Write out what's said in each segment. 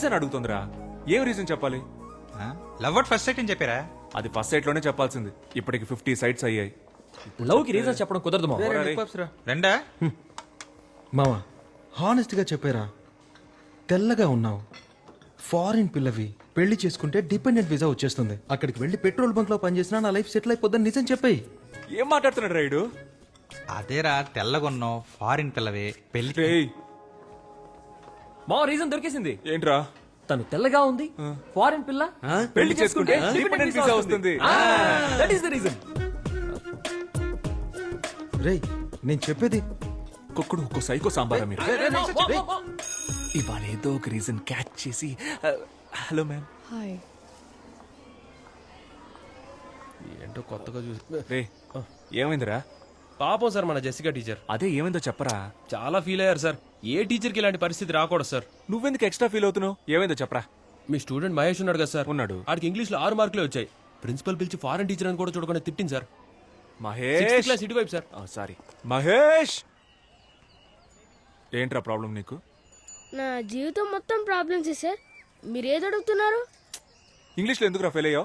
Reason అడుగుతుందిరా. ఏం reason చెప్పాలి? Love at first sight అని చెప్పారా? అది ఫస్ట్ సైట్ లోనే చెప్పాల్సింది. ఇప్పటికి 50 సైట్స్ అయ్యాయి. లవ్ కి రీజన్ చెప్పడం కుదరదు మావా. రెండా? మావా హానెస్ట్ గా చెప్పారా, తెల్లగా ఉన్నావు, ఫారిన్ పిల్లవి, పెళ్లి చేసుకుంటే డిపెండెంట్ వీసా వచ్చేస్తుంది, అక్కడికి వెళ్ళి పెట్రోల్ బంక్ లో పనిచేసినా నా లైఫ్ సెటిల్ అయిపోద్దని నిజం చెప్పాయి. ఏం మాట్లాడుతున్నాడు రైడు? అదేరా, తెల్లగొన్నావు, ఫారిన్ పిల్లవే, పెళ్లి. రేయ్, మావా రీజన్ దొరికేసింది. ఏంట్రా? తను తెల్లగా ఉంది, ఫారిన్ పిల్ల, పెళ్లి చేసుకుంటే డిపెండెంట్ వీసా వస్తుంది. That is the reason. రేయ్ నేను చెప్పేది. కుక్కుడు ఒక్కో సైకో సాంబారా మీరు? ఇవాళ ఏదో ఒక రీజన్ క్యాచ్ చేసి హలో మ్యామ్. హాయ్. ఏంటో కొత్తగా చూసి. రే ఏమైందిరా? పాపం సార్ మన జెసికా టీచర్. అదే ఏమైందో చెప్పరా. చాలా ఫీల్ అయ్యారు సార్. ఏ టీచర్కి ఇలాంటి పరిస్థితి రాకూడదు సార్. నువ్వెందుకు ఎక్స్ట్రా ఫీల్ అవుతున్నావు? ఏమైందో చెప్పరా. మీ స్టూడెంట్ మహేష్ ఉన్నాడు కదా సార్, ఉన్నాడు. ఆడికి ఇంగ్లీష్ లో 6 మార్కులే వచ్చాయి. ప్రిన్సిపల్ పిలిచి ఫారెన్ టీచర్ అని కూడా చూడకుండా తిట్టింది సార్. మహేష్ క్లాస్ ఇటువైపు సార్. సారీ మహేష్. ఏంట్రా ప్రాబ్లం నీకు? నా జీవితం మొత్తం ప్రాబ్లమ్స్ సార్. మీరు ఏది అడుగుతున్నారు? ఇంగ్లీష్లో ఎందుకురా ఫెయిల్ అయ్యావు?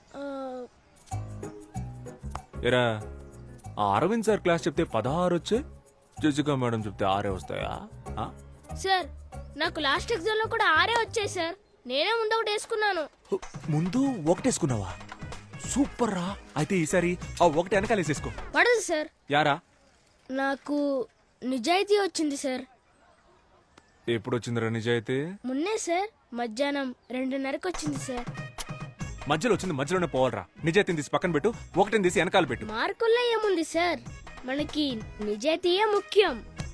ఎరా, ఆ అరవింద్ సార్ క్లాస్ చెప్తే 16 వచ్చే, జెసికా మేడం చెప్తే 6 వస్తాయా? సార్ నాకు లాస్ట్ ఎగ్జామ్ లో కూడా 6 వచ్చాయి సార్. నేనే ముందు ఒకటి వేసుకున్నాను. ముందు ఒకటేసుకున్నావా? సూపర్ రా. అయితే ఈసారి ఆ ఒకటి వెనకాలేసేసుకో. పడదు సార్. యారా? నాకు నిజాయితీ వచ్చింది సార్. ఎప్పుడు వచ్చిందిరా నిజాయితీ? మొన్నే సార్, మధ్యాహ్నం 2:30కి వచ్చింది సార్. మధ్యలో వచ్చింది మధ్యలోనే పోవాలరా. నిజాయితీని తీసి పక్కన పెట్టు, ఒకటిని తీసి వెనకాల పెట్టు. మార్కుల్లో ఏముంది సార్, మనకి నిజాయితీయే ముఖ్యం.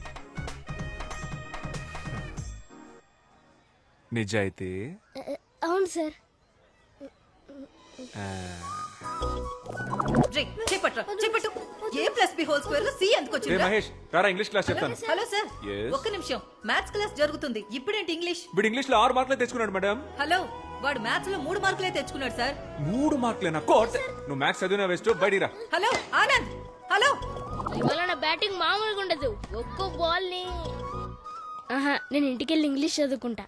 నిజాయితీ? అవును సార్. రే మహేష్, రారా ఇంగ్లీష్ క్లాస్ చెప్తాను. Hello sir, Yes. ఒక్క నిమిషం. మ్యాథ్స్ క్లాస్ జరుగుతుంది. ఇప్పుడేంటి ఇంగ్లీష్? వీడు ఇంగ్లీష్ లో 6 మార్కులే తెచ్చుకున్నాడు మేడం. హలో, వాడు మ్యాథ్స్ లో 3 మార్కులే తెచ్చుకున్నాడు సార్. 3 మార్కులేనా? కోట్. నువ్వు మ్యాథ్స్ చదివినా వేస్ట్, బయటిరా. Hello Anand, hello. ఇవాళ నా బ్యాటింగ్ మామూలుగా ఉండదు. ఒక్కో బాల్ ని నేను ఇంటికెళ్ళి ఇంగ్లీష్ చదువుకుంటా.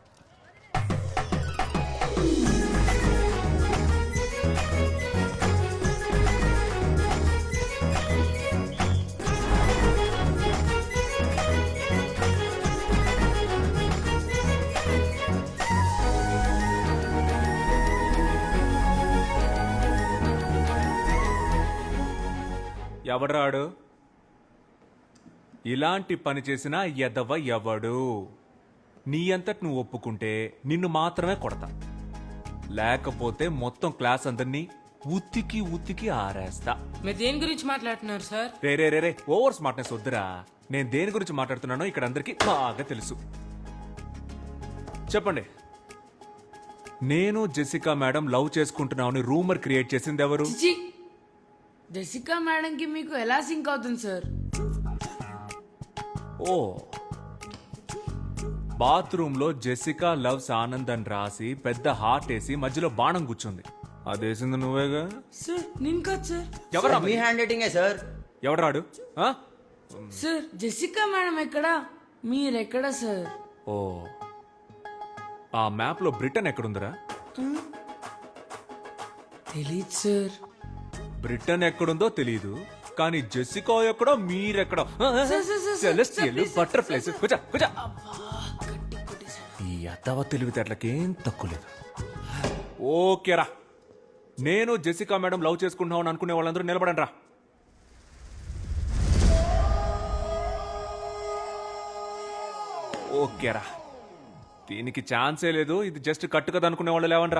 ఎవడ్రాడు? ఇలాంటి పని చేసిన ఎదవ ఎవడు? నీ అంతటి నువ్వు ఒప్పుకుంటే నిన్ను మాత్రమే కొడతా, లేకపోతే మొత్తం క్లాస్ అందరినీ ఉత్తికి ఉత్తికి ఆరేస్తా. మీరు దేని గురించి మాట్లాడుతున్నారు సార్? రే రే రే రే, ఓవర్ స్మార్ట్నెస్ వద్దురా. నేను దేని గురించి మాట్లాడుతున్నానో ఇక్కడ అందరికీ బాగా తెలుసు. చెప్పండి. నేను జెసికా మేడం లవ్ చేసుకుంటున్నామని రూమర్ క్రియేట్ చేసింది ఎవరు? జెసికా మేడం కి మీకు ఎలా సింక్ అవుతుంది సార్? ఓ, బాత్రూమ్ లో జెసికా లవ్స్ ఆనంద్ అని రాసి పెద్ద హార్ట్ వేసి మధ్యలో బాణం కూర్చుంది. అదేసింది నువ్వేగా? సార్ నేను కాదు సార్. ఎవరా మీ హ్యాండ్ రైటింగే సార్. ఎవడరాడు? సార్ జెసికా మేడం ఎక్కడా, మీరెక్కడా సార్? ఓ, ఆ మ్యాప్ లో బ్రిటన్ ఎక్కడుందిరా? తెలీదు సార్. బ్రిటన్ ఎక్కడుందో తెలీదు, కానీ జెసికా ఎక్కడో మీరెక్కడో. Celestial butterflies. కూర్చో కూర్చో. ఈ అద్దవ తెలివితేటలకేం తక్కువ లేదు. ఓకేరా, నేను జెసికా మేడం లవ్ చేసుకుంటున్నామని అనుకునే వాళ్ళందరూ నిలబడండి రా. ఓకేరా, దీనికి ఛాన్సే లేదు. ఇది జస్ట్ కట్టు కదా అనుకునే వాళ్ళు లేవండి రా.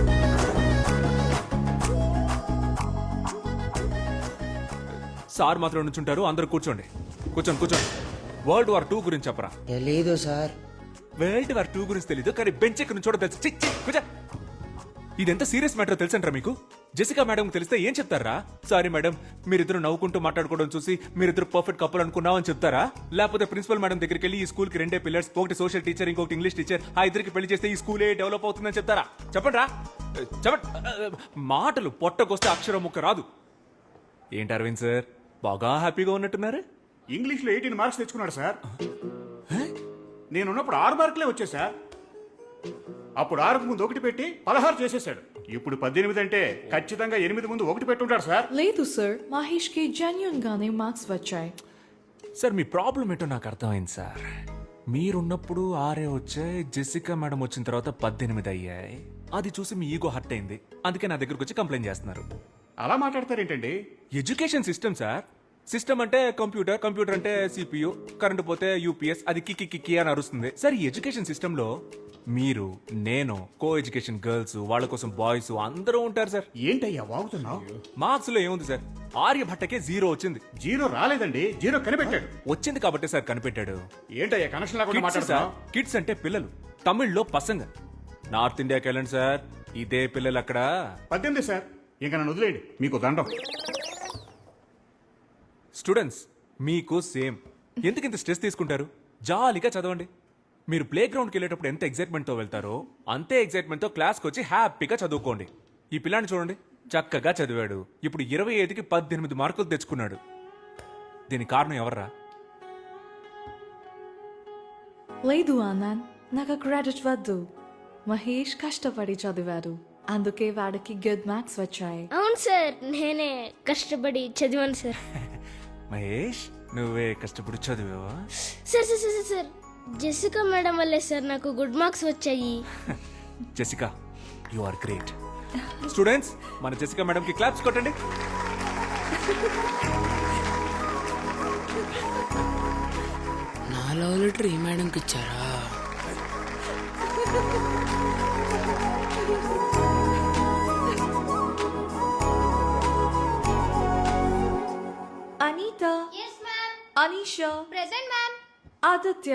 సార్ మాత్రం నుంచుంటారు, అందరూ కూర్చోండి. కూర్చోండి కూర్చోండి. వరల్డ్ వార్ 2 గురించి చెప్పరా. తెలీదు సార్. వరల్డ్ వార్ 2 గురించి తెలీదు, కానీ బెంచ్ ఎక్కడి నుంచో తెలుసు. కూర్చో. ఇదెంత సీరియస్ మ్యాటర్ తెలుసంటారా మీకు? జెసికా మేడం తెలిస్తే ఏం చెప్తారా? సారీ మేడం, మీరిద్దరు నవ్వుకుంటూ మాట్లాడుకోవడం చూసి మీరిద్దరు పర్ఫెక్ట్ కపుల్ అనుకున్నామని చెప్తారా? లేకపోతే ప్రిన్సిపల్ మేడం దగ్గరికి వెళ్ళి ఈ స్కూల్ కి 2 పిల్లర్స్, ఒకటి సోషల్ టీచర్, ఇంకొకటి ఇంగ్లీష్ టీచర్, ఆ ఇద్దరికి పెళ్లి చేస్తే ఈ స్కూలే డెవలప్ అవుతుందని చెప్తారా? చెప్పండి రా, చెప్పండి. మాటలు పొట్టకొస్తే అక్షరం ముక్క రాదు. ఏంటి అరవింద్ సార్, బాగా హ్యాపీగా ఉన్నట్టున్నారు? ఇంగ్లీష్ లో 18 మార్క్స్ తెచ్చుకున్నాడు సార్. నేనున్నప్పుడు 6 మార్కులే వచ్చాయి సార్. అప్పుడు 6కు ముందు 1 పెట్టి 16 చేసేసాడు. ఇప్పుడు 18 అంటే ఖచ్చితంగా 8 ముందు 1 పెట్టుంటాడు సార్. లేదు సార్, మహేష్ కి జెన్యున్ గానే మార్క్స్ వచ్చాయి. సార్ మీ ప్రాబ్లం ఏంటో నాకు అర్థమైంది సార్. మీరున్నప్పుడు 6 వచ్చాయి, జెసికా మేడం వచ్చిన తర్వాత 18 అయ్యాయి. అది చూసి మీ ఈగో హర్ట్ అయింది, అందుకే నా దగ్గరకు వచ్చి కంప్లైంట్ చేస్తున్నారు. అలా మాట్లాడతారేంటండి? Education system sir. సిస్టమ్ అంటే కంప్యూటర్, కంప్యూటర్ అంటే సిపియు, కరెంట్ పోతే యూపీఎస్, అది కిక్కి కిక్కి అని అరుస్తుంది. సార్ ఈ ఎడ్యుకేషన్ సిస్టమ్ లో మీరు, నేను, కో ఎడ్యుకేషన్ గర్ల్స్, వాళ్ళ కోసం బాయ్స్ అందరూ ఉంటారు సార్. ఏంటయ్యా వాగుతున్నావు? మార్క్స్ లో ఏముంది సార్, ఆర్యభట్టకే 0 వచ్చింది. 0 రాలేదండి, 0 కనిపెట్టాడు. వచ్చింది కాబట్టి సార్ కనిపెట్టాడు. ఏంటయ్యా కనెక్షన్ లేకుండా మాట్లాడుతున్నావు? కిడ్స్ అంటే పిల్లలు, తమిళ్లో పసంగ. నార్త్ ఇండియాకి వెళ్ళండి సార్, ఇదే పిల్లలు అక్కడ. 18 సార్, ఇంకా నన్ను వదిలేయండి, మీకు దండం. స్టూడెంట్స్ మీకు సేమ్. ఎందుకు ఇంత స్ట్రెస్ తీసుకుంటారు? జాలీగా చదవండి. మీరు ప్లే గ్రౌండ్కి వెళ్ళేటప్పుడు ఎంత ఎగ్జైట్మెంట్తో వెళ్తారో అంతే ఎగ్జైట్మెంట్తో క్లాస్కి వచ్చి హ్యాపీగా చదువుకోండి. ఈ పిల్లాన్ని చూడండి, చక్కగా చదివాడు, ఇప్పుడు 25కి 18 మార్కులు తెచ్చుకున్నాడు. దీనికి కారణం ఎవర్రా? లేదు ఆనంద్, నాకు క్రెడిట్ వద్దు. మహేష్ కష్టపడి చదివాడు, అందుకే వాడికి గుడ్ మార్క్స్ వచ్చాయి. అవును సార్, నేనే కష్టపడి చదివాను సార్. మహేష్ నువ్వే కష్టపడి చదివావా? Sir sir sir sir, Jessica madam వల్లే సార్ నాకు గుడ్ మార్క్స్ వచ్చాయి. Jessica, you are great. Students, మన జెసికా మేడం కి క్లాప్స్ కొట్టండి. నా లవ్ లెటర్ ఈ మేడంకి ఇచ్చారా? Anitha, Anisha, present ma'am. Aditya,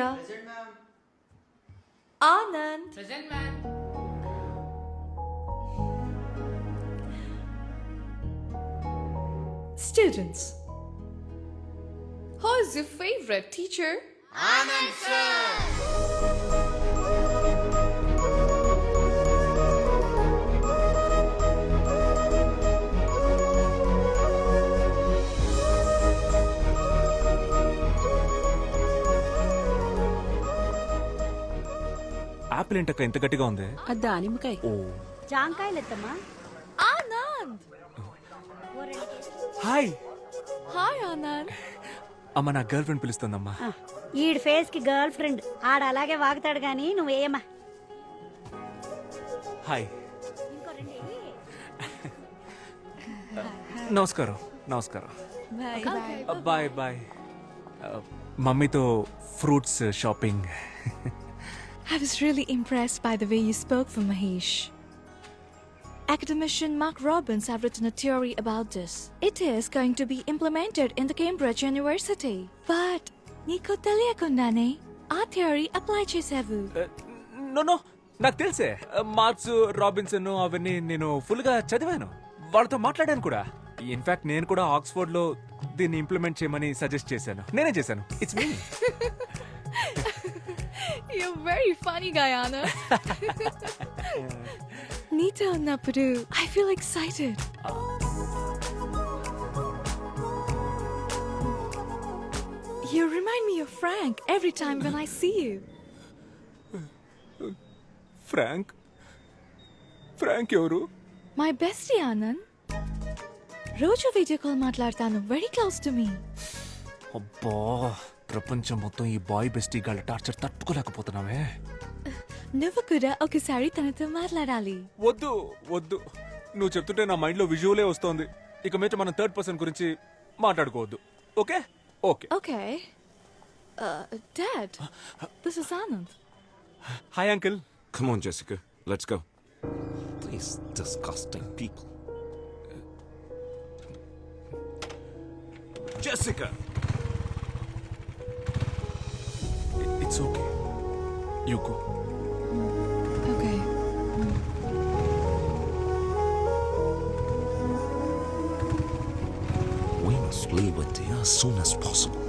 Anand, present ma'am. students. Who is your favorite teacher? Anand sir. Apple ఏంటక్క ఇంత గట్టిగా ఉంది? దానిమ్మకాయ. ఓ జాంకాయలెత్తమ్మా. Anand. హాయ్. Hi Anand. అమ్మ నా గర్ల్ ఫ్రెండ్ పిలుస్తుందమ్మా. ఈడి ఫేస్ కి గర్ల్ ఫ్రెండ్ ఆడ అలాగే వాగుతాడు గాని నువ్వేమా. హాయ్. నమస్కారం. నమస్కారం. Bye bye. మమ్మీతో fruits shopping. I was really impressed by the way you spoke for Mahesh. Academician Mark Robbins have written a theory about this. It is going to be implemented in the Cambridge University. But నీకు తెలియకుండానే ఆ theory apply చేసావు. No నాకు తెలుసే. Marks, Robinson అవన్నీ నేను full గా చదివాను, వాళ్ళతో మాట్లాడాను కూడా. ఇన్ఫాక్ట్ నేను కూడా ఆక్స్ఫోర్డ్ లో దీన్ని ఇంప్లిమెంట్ చేయమని సజెస్ట్ చేశాను. నేనే చేశాను. It's me. You're very funny guy, Anna. నీతో ఉన్నప్పుడు I feel excited. You remind me of Frank every time when I see you. Frank? Frank ఎవరు? My bestie, Anand. రోజు వీడియో కాల్ మాట్లాడతాను. Very close to me. అబ్బా, ప్రపంచం మొత్తం ఈ boy bestie గాళ్ళ టార్చర్ తట్టుకోలేకపోతున్నావే. నువ్వు కూడా ఒకసారి తనతో మాట్లాడాలి. వద్దు వద్దు, నువ్వు చెప్తుంటే నా మైండ్ లో విజువలే వస్తోంది. ఇక మీద మనం థర్డ్ పర్సన్ గురించి మాట్లాడుకోవద్దు. Okay okay. Okay. Dad, this is Anand. Hi uncle. Come on, Jessica. Let's go. These disgusting people. Jessica! It's okay, you go. Okay. We must leave India as soon as possible.